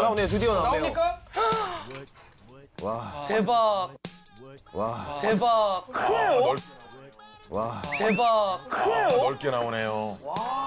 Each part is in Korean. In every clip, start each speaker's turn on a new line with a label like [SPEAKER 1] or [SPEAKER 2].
[SPEAKER 1] 나오네요. 드디어 나오네요.
[SPEAKER 2] 나옵니까?
[SPEAKER 1] 와.
[SPEAKER 2] 대박.
[SPEAKER 1] 와.
[SPEAKER 2] 대박. 크네요.
[SPEAKER 1] 와.
[SPEAKER 2] 대박. 크네요.
[SPEAKER 3] 넓게 나오네요.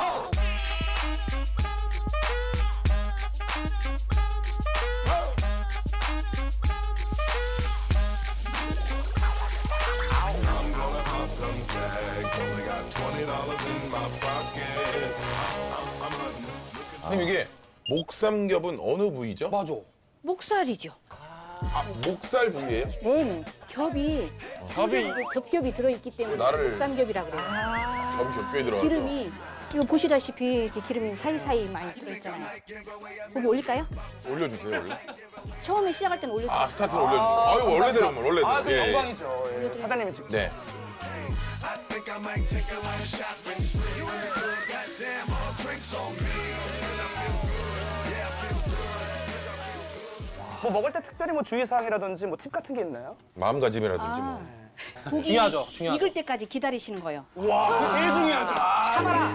[SPEAKER 3] 선생님 이게 목삼겹은 어느 부위죠?
[SPEAKER 2] 맞아.
[SPEAKER 4] 목살이죠.
[SPEAKER 3] 아, 목살 부위예요?
[SPEAKER 4] 네네. 겹이 겹겹이 들어있기 때문에
[SPEAKER 3] 나를-
[SPEAKER 4] 목삼겹이라고 그래요.
[SPEAKER 3] 겹 겹게 들어가서.
[SPEAKER 4] 기름이 이거 보시다시피 이렇게 기름이 사이사이 많이 들어있잖아요. 고기 올릴까요?
[SPEAKER 3] 올려주세요 원래.
[SPEAKER 4] 처음에 시작할 때는 올려주세요.
[SPEAKER 3] 아 스타트를 올려주세요. 아유 원래대로 원래대로.
[SPEAKER 2] 아, 그
[SPEAKER 3] 예, 예.
[SPEAKER 2] 영광이죠. 예. 사장님이 직접.
[SPEAKER 3] 네.
[SPEAKER 2] 뭐 먹을 때 특별히 뭐 주의사항이라든지 뭐 팁 같은 게 있나요?
[SPEAKER 3] 마음가짐이라든지 뭐.
[SPEAKER 4] 고기
[SPEAKER 2] 중요하죠, 중요하죠.
[SPEAKER 4] 익을 때까지 기다리시는 거예요.
[SPEAKER 2] 와, 그게 제일 중요하죠.
[SPEAKER 4] 참아라.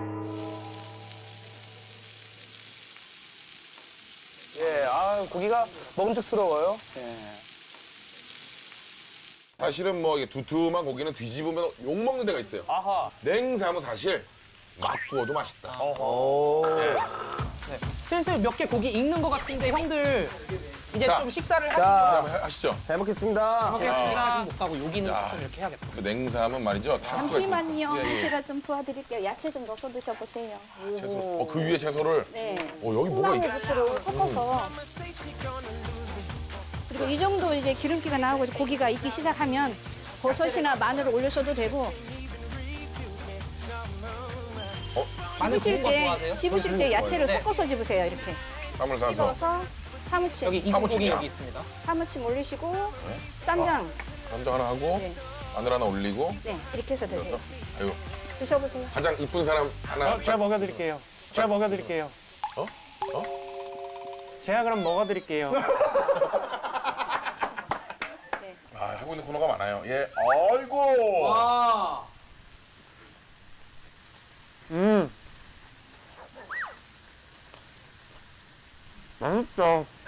[SPEAKER 2] 예, 아, 고기가 먹음직스러워요. 예.
[SPEAKER 3] 사실은 뭐 이게 두툼한 고기는 뒤집으면 욕 먹는 데가 있어요.
[SPEAKER 2] 아하.
[SPEAKER 3] 냉삼은 사실 맛 구워도 맛있다.
[SPEAKER 5] 슬슬 몇 개 고기 익는 것 같은데 형들 이제
[SPEAKER 3] 자.
[SPEAKER 5] 좀 식사를 하시고
[SPEAKER 1] 자,
[SPEAKER 3] 한번 하시죠.
[SPEAKER 1] 잘 먹겠습니다.
[SPEAKER 5] 제가 못 가고 여기는
[SPEAKER 3] 자.
[SPEAKER 5] 좀 이렇게 해야겠다.
[SPEAKER 3] 그 냉삼은 말이죠. 다
[SPEAKER 4] 잠시만요.
[SPEAKER 3] 예, 예.
[SPEAKER 4] 제가 좀 도와드릴게요. 야채 좀 넣어서 드셔보세요.
[SPEAKER 3] 채소. 그 위에 채소를.
[SPEAKER 4] 네.
[SPEAKER 3] 여기 뭐가
[SPEAKER 4] 콩나물
[SPEAKER 3] 있...
[SPEAKER 4] 부추를 섞어서. 그리고 이 정도 이제 기름기가 나오고 고기가 익기 시작하면 버섯이나 마늘을 올려서도 되고.
[SPEAKER 5] 마늘
[SPEAKER 4] 집으실
[SPEAKER 5] 구운 거
[SPEAKER 4] 때,
[SPEAKER 5] 좋아하세요?
[SPEAKER 4] 집으실 때 야채를
[SPEAKER 5] 네.
[SPEAKER 4] 섞어서 집으세요. 이렇게.
[SPEAKER 3] 쌈을 싸서.
[SPEAKER 4] 찍어서 사무침,
[SPEAKER 5] 여기 익은 고기
[SPEAKER 3] 사무침이야.
[SPEAKER 5] 여기 있습니다.
[SPEAKER 4] 사무침 올리시고 쌈장.
[SPEAKER 3] 감자 하나 하고
[SPEAKER 4] 네.
[SPEAKER 3] 마늘 하나 올리고.
[SPEAKER 4] 네, 이렇게 해서 드세요.
[SPEAKER 3] 아유
[SPEAKER 4] 드셔보세요.
[SPEAKER 3] 가장 이쁜 사람 하나.
[SPEAKER 6] 제가 먹여드릴게요. 제가 먹여드릴게요.
[SPEAKER 3] 어?
[SPEAKER 6] 제가 그럼 먹어드릴게요.
[SPEAKER 3] 아 하고 있는 코너가 많아요. 예. 아이고.
[SPEAKER 2] 아.
[SPEAKER 6] 맛있다.